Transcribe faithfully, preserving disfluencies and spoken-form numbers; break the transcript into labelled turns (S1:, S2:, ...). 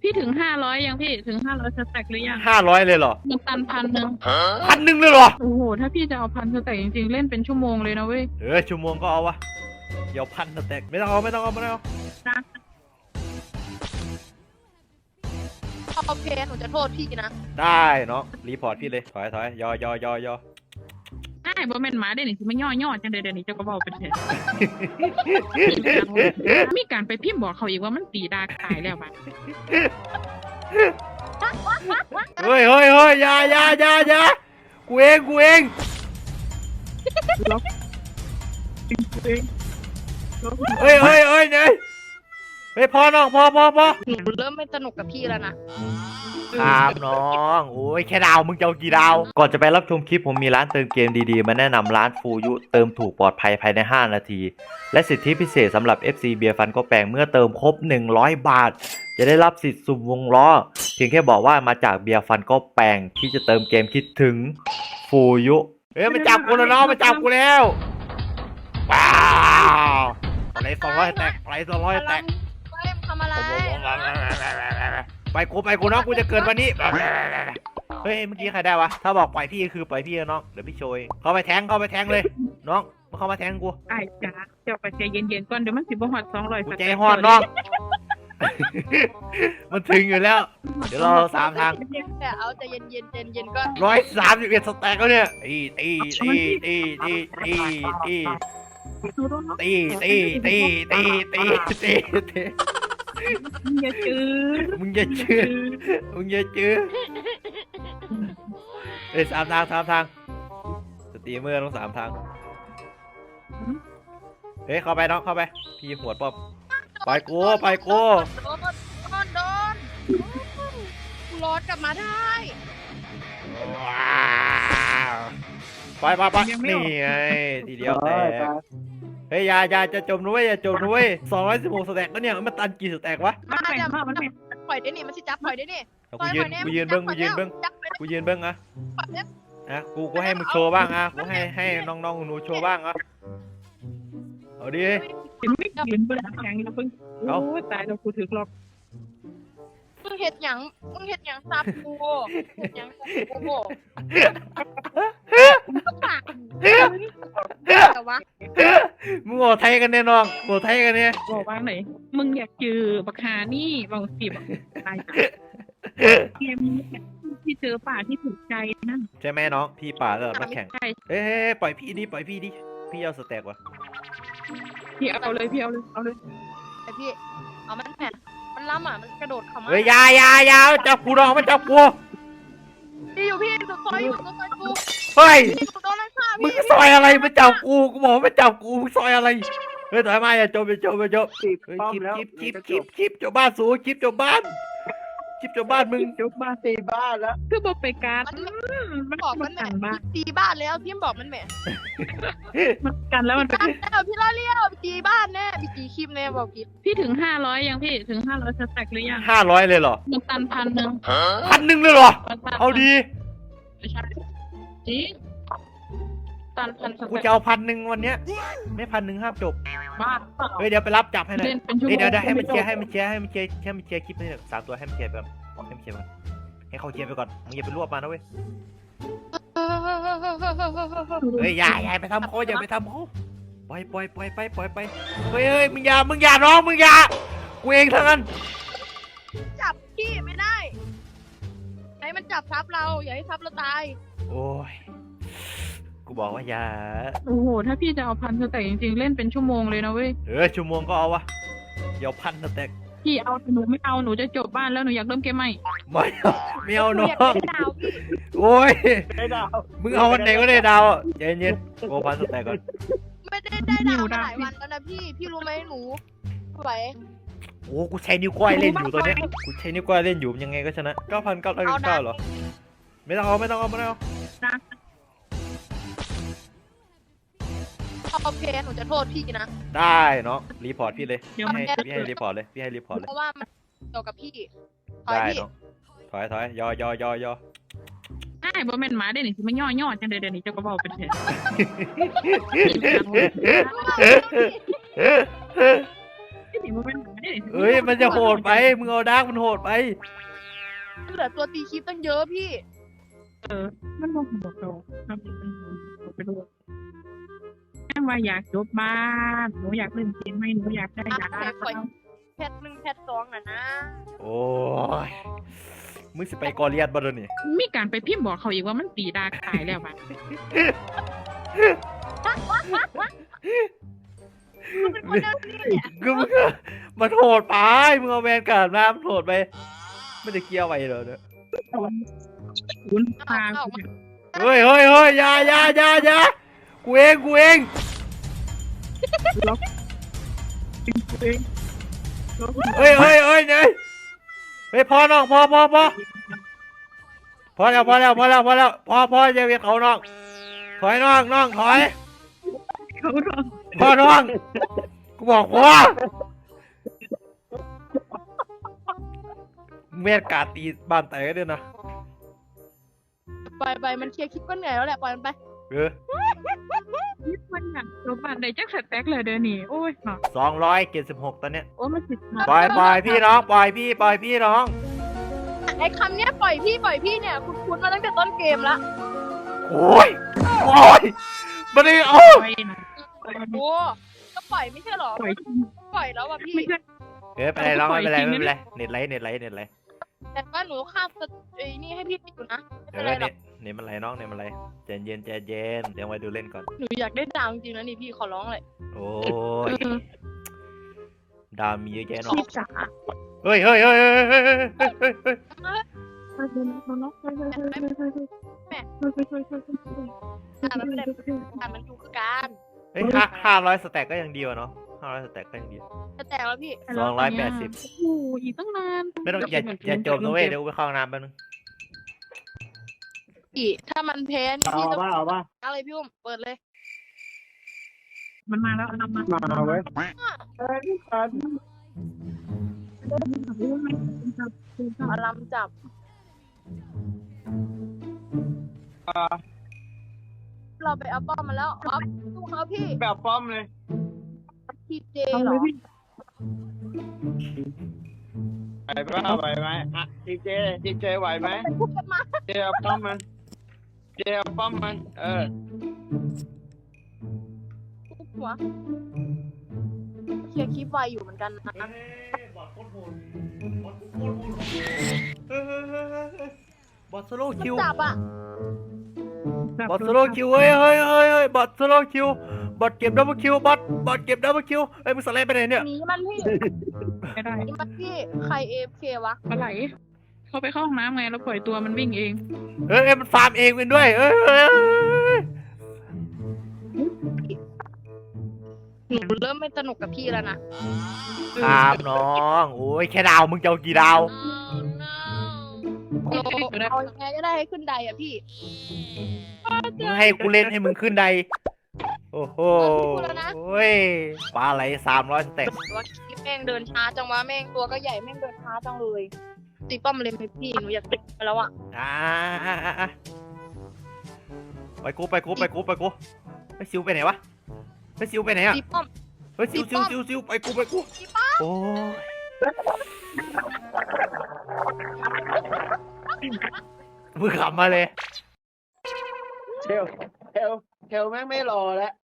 S1: พี่ถึงห้าร้อยยังพี่ถึงห้าร้อยสแต็กหรือยัง
S2: ห้าร้อยเลยเหรอ
S1: มันตันพันหนึ่ง
S2: พันหนึ่งเลยเหรอ
S1: โอ้โหถ้าพี่จะเอาพันสแต็กจริงๆเล่นเป็นชั่วโมงเลยนะเว้ย
S2: เออชั่วโมงก็เอาวะเดี๋ยวพันสแต็กไม่ต้องเอาไม่ต้องเอาไม่ต้องเอา
S3: โอเคหนูจะโทษพี่นะ
S2: ได้เนาะรีพอร์ตพี่เลยถอยถอยยอยอยอยอ
S1: ใช่บ่แม่นหมาเดี๋ยวนี้สิมันย่อย่อจังเดี๋ยวนี้เจ้าก็บอกเป็นแท้มีการไปพิมพ์บอกเขาอีกว่ามันตีดาตายแล้วบัด
S2: เฮ้ยเฮ้ยเฮ้ยอย่าอย่าอย่าอย่ากูเองกูเองเฮ้ยเฮ้ยเฮ้ยเนี่ยเฮ้ยพอน้องพอพอพอ
S3: หนูเริ่มไม่สนุกกับพี่แล้วนะครับ
S2: น้องโอ้ยแค่ดาวมึงจะเอากี่ดาวก่อนจะไปรับชมคลิปผมมีร้านเติมเกมดีๆมาแนะนำร้านฟูยุเติมถูกปลอดภัยภายในห้านาทีและสิทธิพิเศษสำหรับ เอฟ ซี เบียร์ฟันก็แปลงเมื่อเติมครบหนึ่งร้อยบาทจะได้รับสิทธิ์สุ่มวงล้อเพียงแค่บอกว่ามาจากเบียร์ฟันก็แปลงที่จะเติมเกมคิดถึงฟูยุเฮ้ยมันจับกูแล้วน้องมันจับกูแล้วว้าวอะไรสองร้อยแตกอะไรสองร้อยแตก
S3: เล่มทำอะไร
S2: ไปกูไปกูน้องกูจะเกิดวันนี้เฮ้ยเมื่อกี้ใครได้วะถ้าบอกปล่อยพี่คือปล่อยพี่น้องเดี๋ยวพี่โชยเข้าไปแทงเข้าไปแทงเลยน้องมาเข้ามาแทงกู
S1: ไอ้จ้าเจ้าไปใจเย็นๆก่อนเดี๋ยวมันสิบ่ฮอดสองร้อย
S2: ใจฮอดน้องมันถึงอยู่แล้วเดี๋ยวเราสามทาง
S3: แต่เอาใจเย็นเย็นเย็นเย็นก็
S2: ร้อยสามสิบเอ็ดสแต็กแล้วเนี่ยตีตีตีตีตีตีตีตีตีตีตีตีตีตี
S1: มึงอย่าจื้อ
S2: มึงอย่าจื้อมึงอย่าจื้อเอ้ยสามทางสามทางสตรีมเมอร์ต้องสามทางเฮ้ยเข้าไปน้องเข้าไปพี่หัวป้อมไปกูไปกู
S3: โดนโดนโดนกูรอดกลับมาได้
S2: ไปไปไปนี่ไงทีเดียวแตกเฮ้ยอย่าอย่าจะจมนุ้ยอย่าจมนุ้ยสองร้อยสิบหกสแต็กแล้วเนี่ยมันตันกี่สแต็กวะ
S3: มันจะมันปล่อยได้นี่มันสิจับปล่อยได้นี่
S2: กูยืนกูยืนเบิ้งกูยืนเบิ้งกูยืนเบิ้งอะอ่ะกูกูให้มึงโชว์บ้างอ่ะกูให้ให้น้องๆหนูโชว์บ้างอ่ะเอาดิ
S1: เห็นไม่ยืนบนแข็งแล้วเพิ่งโอ้ตายแล้วกูถือล็อก
S3: มึงเห็ดหยังมึงเห็ดหยังซับกูเห็ดหยังกูแต่ว่า
S2: มึงโง่ไทยกันแน่น้องโง่ไทยกันเนี่ย
S1: บอกว่าไหนมึงอยากจือบักฮานี่บางสิบตายเกมที่เจอป่าที่ถูกใจนั่น
S2: ใช่ไหมน้องพี่ป่าแล้วมาแข่งเฮ้ยปล่อยพี่ดิปล่อยพี่ดิพี่เอาสแต็กวะ
S1: พี่เอาเลยพี่เอาเลยเอาเลย
S3: ไอพี่เอามันแผ่มันล้ำอ่ะมันกระโดดเข้ามา
S2: เฮ้ยยายายาจับกูน้องมันจับกู
S3: พี่อยู่พี่ตัวซอยอยู่ตัวซอยกู
S2: เฮ้ยมึงซอยอะไรมาจับกูกูบอกไม่จับกูมึงซอยอะไรเฮ้ยถอยมาอย่าจมอย่าจมอย่าจมคลิปคลิปคลิปคลิปจบบ้านสูคลิปจบบ้านคลิปจบบ้านมึง
S1: จบบ้านตีบ้านแล้วคือบอกไปการ
S3: มันบอกมันแหม่ตีบ้านแล้วพี่บอกมันแหม่
S1: มันกันแล้วมัน
S3: เป็นแล้วพี่ล่อเลี้ยวตีบ้านแน่พี่ตีคลิปแน่บอกพี่
S1: พี่ถึงห้าร้อยยังพี่ถึงห้าร้อยสแต็กหรือยัง
S2: ห้าร้อยเลยเหรอ
S1: มันตันพันหนึ่ง
S2: พันหนึ่งเลยเหรอเอาดี
S1: จริงตันพัน
S2: กูจะเอาพันหนึ่งวันเนี้ยไม่พันหนึ่งห้ามจบ
S1: บ้า
S2: เฮ้ยเดี๋ยวไปรับจับให้หน่อยเดี๋ยวเดี๋ยวให้มันเชียร์ให้มันเชียร์ให้มันเชียร์ให้มันเชียร์คลิปนี้สามตัวให้มันเชียร์แบบให้มันเชียร์ก่อนให้เขาเชียร์ไปก่อนมึงอย่าไปรวบมานะเว้ยเฮ้ยอย่าอย่าไปทำเขาอย่าไปทำเขาปล่อยปล่อยปล่อยไปปล่อยไปเฮ้ยเฮ้ยมึงอย่ามึงอย่าน้องมึงอย่ากูเองทั้งนั้น
S3: จับพี่ไม่ได้ให้มันจับทับเราอย่าให้ทับเราตาย
S2: โอ้ยกูบอกว่าอย่า
S1: โอ้โหถ้าพี่จะเอาพันสแต็กจริงๆเล่นเป็นชั่วโมงเลยนะเว้ย
S2: เออชั่วโมงก็เอาวะเดี๋ยวพันสแต็ก
S1: พี่เอาหนูไม่เอาหนูจะจบบ้านแล้วหนูอยากเริ่มเกมใหม่
S2: ไม่เอาไม่เอาน้องโอ้ยมึงเอาวันไหนก็ได้ดาวเย็นเย็นโอ้พันสแต็กก่อน
S3: ไม่ได้ได้ดาวมาหลายวันแล้วนะพี่พี่รู้ไหมหนูไหว
S2: โอ้กูใช้นิ้วก้อยเล่นอยู่ตัวเนี้ยกูใช้นิ้วก้อยเล่นอยู่ยังไงก็ชนะเก้าพันเก้าร้อยเก้าเหรอไม่ต้องเอาไม่ต้องเอาไม่ต้องเอา
S3: โอเคหนูจะโทษพี่นะ
S2: ได้เนาะรีพอร์ตพี่เลยพี่ให้พี่ให้รีพอร์ตเลยพี่ให้รีพอร์ตเลย
S3: เพราะว่ามันเกี่ยวกับพี่
S2: ได้เนาะถอยถอยยอยอยอยอ
S1: ใช่บ่แม่นหมาเดี๋ยวนี้สิมันย่อย่อจังเดี๋ยวนี้เจ้าก็บอกเป็นแท้นี่บ่แม่นหมาเด้
S2: เอ้ยมันจะโหดไปมึงเอาดาร์กมันโหดไป
S3: เหลือตัวตีคลิปตั้งเยอะพี่
S1: เออ มันบอกบอกเราทำเป็นบอกไปด้วยแม่ว่าอยากจบบ้านหนูอยากเล่นเกมไหมหนูอยากได้ยา
S3: แพทหนึ่งแพทสองอ่ะนะ
S2: โอ้ยมึงสิไปกอเลียดบ่เดี๋ยวนี้
S1: มีการไปพิมพ์บอกเขาอีกว่ามันตีดาตายแล้วบ้าน
S3: เป็นคนเดิมนี่เนี่ย
S2: ก็มึงอะมันโหดไปมึงเอาแวนการ์ดมามันโหดไปไม่ได้เกี่ยวไปเหรอเนี่ย
S1: คุณพา
S2: เฮ้ยเฮ้ยเฮ้ยอยาอยาอยาอยากูเองกูเอง
S1: ล็อกเอง
S2: เฮ้ยเฮ้ยเฮ้ยเนี่ยเฮ้ยพอน้องพอพอพอพอแล้วพอแล้วพอแล้วพอแล้วพอพอจะเวียนเขาน้องถอยน้องน้องถอย
S1: เขาลอง
S2: พอน้องกูบอกว่าเมียกาตีบ้านแตกด้วยนะ
S3: ไปไปมันเคลียร์คลิปก็เหนื่อยแล้วแหละปล่อยมันไป
S2: เออ
S1: นี่มันอยากจบบ้านได้จักสแต็กเลยเดี๋ยวนี้โอ้ยเนาะ
S2: สองร้อยเจ็ดสิบหกตอนเนี้ย
S1: โอ้มันสิบ
S2: ปล่อยปล่อยพี่น้องปล่อยพี่ปล่อยพี่น้อง
S3: ไอ้คำเนี้ยปล่อยพี่ปล่อยพี่เนี่ยคุณคุณมาตั้งแต่ต้นเกมละ
S2: โอ้ยโอ้ยมันได้โอ้
S1: ปล่อยนะ
S3: โอ้ก็ปล่อยไม่ใช่หรอ
S1: ปล่อย
S3: ปล่อยแล้วอ่ะพี่
S1: ไม่ใช่
S2: เออไปไรน้องไม่เป็นไรไม่เป็นไรเน็ตไลท์เน็ตไลท์เน็ตไลท์
S3: แต่ว่าหนูข้ามสเตไอ้นี่ให้พี่อยู่นะ
S2: เอ
S3: ไม่
S2: อ
S3: เป็นไรหร
S2: เน็
S3: อก
S2: ตเน็ตมันไรน้องเน็ตมันไรใจเย็นใจเย็นเดี๋ยวไว้ดูเล่นก่อน
S3: หนูอยากได้ดาวจริงๆนะนี่พี่ขอร้องเลย
S2: โอ้ยดาวมีเยอะแยะเนาะ
S1: พี่จ๋า
S2: เฮ้ยเฮ้ยเฮ้ยเฮ้ยเฮ้ยเฮ้ยเฮ้ยเฮ้ย
S1: ไปเลยนะน้องไปเลยไปเลยไปเลยไปเลยไปเลยไปเลย
S3: อ่ะมันไม่ได้อ่ะมันอยู่คือการ
S2: เฮ้ยห้าห้าร้อยสแต็กก็ยังดีวะเนาะห้าร้อยสแต็กก็ยังดี
S3: จะแตกแล้วพี่
S2: สองร้อยแปดสิบ
S1: โอ้ยอีกตั้งนาน
S2: ไม่ต้องอย่าอย่าจบนะเว้ยเดี๋ยวกูไปเข้าห้องน้ำแป๊บนึง
S3: พี่ถ้ามันแพ้นี่
S4: เอา
S3: พี่ต้อง
S4: ป่ะเอาป่ะ
S3: อะไรพี่อุ้มเปิดเลย
S1: มันมาแล้วนำมา
S4: มาเว้ยเอ้ยพี่ปัน
S3: อารมจับ
S4: อ่า
S3: เราไปเอาป้อมมาแล้วออฟสู้เขาพี่
S4: แบบป้อมเลย
S3: ทีเจ
S1: เอา
S3: เหร
S1: เล
S3: อย
S1: พี่
S4: ไหวป่ะไหวไหมอ่ะดีเจดีเจไหวไหม
S3: เป็นพูดกันมา
S4: เจเอาป้อมมันเจเอาป้อมมันเออ
S3: ทุบหัวเคลียร์คลิปไวอยู่เหมือนกันนะ
S2: บอทสโลคิว
S3: จับอ่ะ
S2: บอทสโลคิวเฮ้ยเฮ้ยเฮ้ยเฮ้ยบอทสโลคิวบอทเก็บดับเบิลคิวบอทบอทเก็บดับเบิลคิวเฮ้ยมึงสไลด์ไปไหนเนี่ย
S3: หนีมันพี่
S1: ไม่ได้
S3: หนีมันพี่ใครเอฟเควะ
S1: ปลาไหลเขาไปเข้าห้องน้ำไงแล้วปล่อยตัวมันวิ่งเอง
S2: เฮ้ยมันฟาร์มเองเป็นด้วยเฮ้ยเฮ้ย
S3: หนูเริ่มไม่สนุกกับพี่แล้วนะ
S2: ครับน้องโอ้ยแค่ดาวมึงจะเอากี่ดาว
S3: เอาเอายังไงก็ได้ให้ขึ้นไดอ่ะพี่
S2: มึงให้กูเล่นให้มึงขึ้นใดโอ้โหโอ้ยปลาไหลสามร้อยสเต็ป
S3: ว่าคลิปแม่งเดินช้าจังวะแม่งตัวก็ใหญ่แม่งเดินช้าจังเลยตีป้อมเลยไหมพี่หนูอยากติดไปแล้วอ่ะ
S2: อ่าอ่าอ่าอ่าไปกูไปกูไปกูไปกูไปซิวไปไหนวะไปซิวไปไหนอ่ะ
S3: ตีป้อม
S2: เฮ้ยซิวซิวซิวซิวไปกูไปกูโอ้ยมึงขับมาเลย
S4: เทลเทลเทลแม่งไม่รอแล้ว